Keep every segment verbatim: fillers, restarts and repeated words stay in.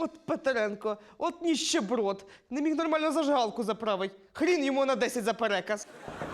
От Петренко, от ніщеброд. Не міг нормально зажигалку заправить. Хрін йому на десять за переказ.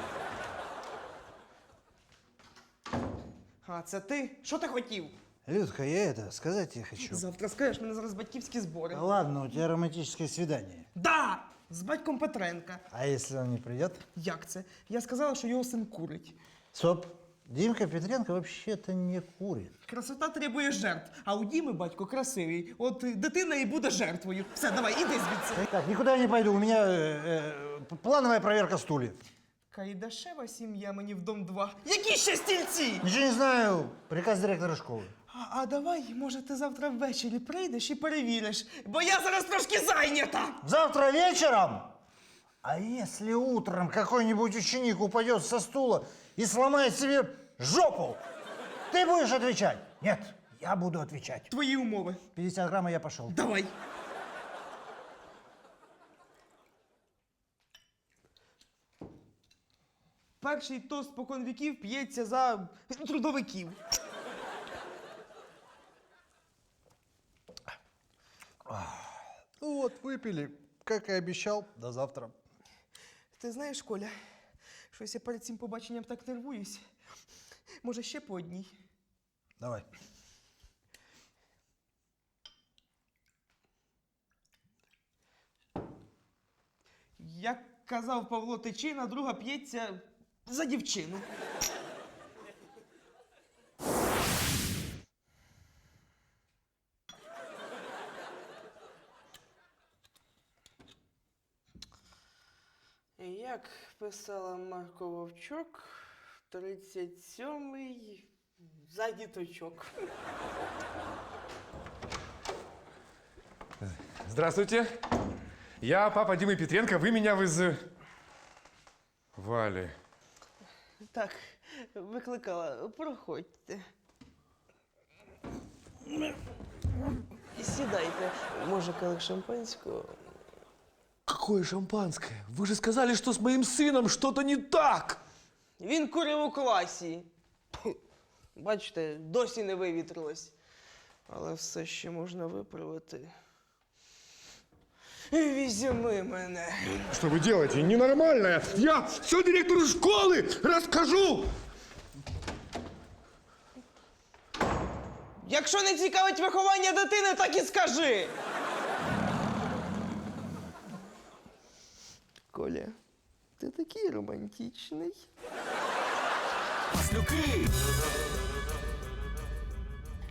А, це ти? Що ти хотів? Людка, я это, сказать тебе хочу. Завтра скажеш, мене зараз батьківські збори. Да ладно, у тебя романтическое свидание. Да! З батьком Петренка. А если он не придет? Як це? Я сказала, що його син курить. Стоп. Димка Петренко вообще-то не курит. Красота требує жертв, а у Діми батько красивий. От е, дитина і буде жертвою. Все, давай, іди звідси. Так, никуда я не пойду, у меня э, э, плановая проверка стульев. Кайдашева сім'я мені в дом два. Які ще стільці? Ничего не знаю, приказ директора школы. А, а давай, може, ти завтра ввечері прийдеш і перевіриш, бо я зараз трошки зайнята. Завтра вечером? А если утром какой-нибудь ученик упадет со стула и сломает себе жопу, ты будешь отвечать? Нет, я буду отвечать. Твої умови. пятьдесят грамм, и я пошел. Давай. Перший тост спокон віків п'ється за трудовиків. Ну вот, выпили, как и обещал. До завтра. Ти знаєш, Коля, щось я перед цим побаченням так нервуюсь. Може, ще по одній? Давай. Як казав Павло Тичина, друга п'ється за дівчину. Як писала Марко Вовчок, тридцять сьомий за діточок. Здравствуйте. Я папа Димы Петренко. Вы меня выз... Вали. Так, викликала. Проходьте. Сідайте. Може, келих шампанського? Какое шампанское? Вы же сказали, что с моим сыном что-то не так! Він курив у класі. Бачите, досі не вивітрилось. Але все ще можна виправити. Візьми мене. Что вы делаете? Ненормальное. Я все директору школы расскажу. Якщо не цікавить виховання дитини, так і скажи. Коля, ти такий романтичний. Маслюки!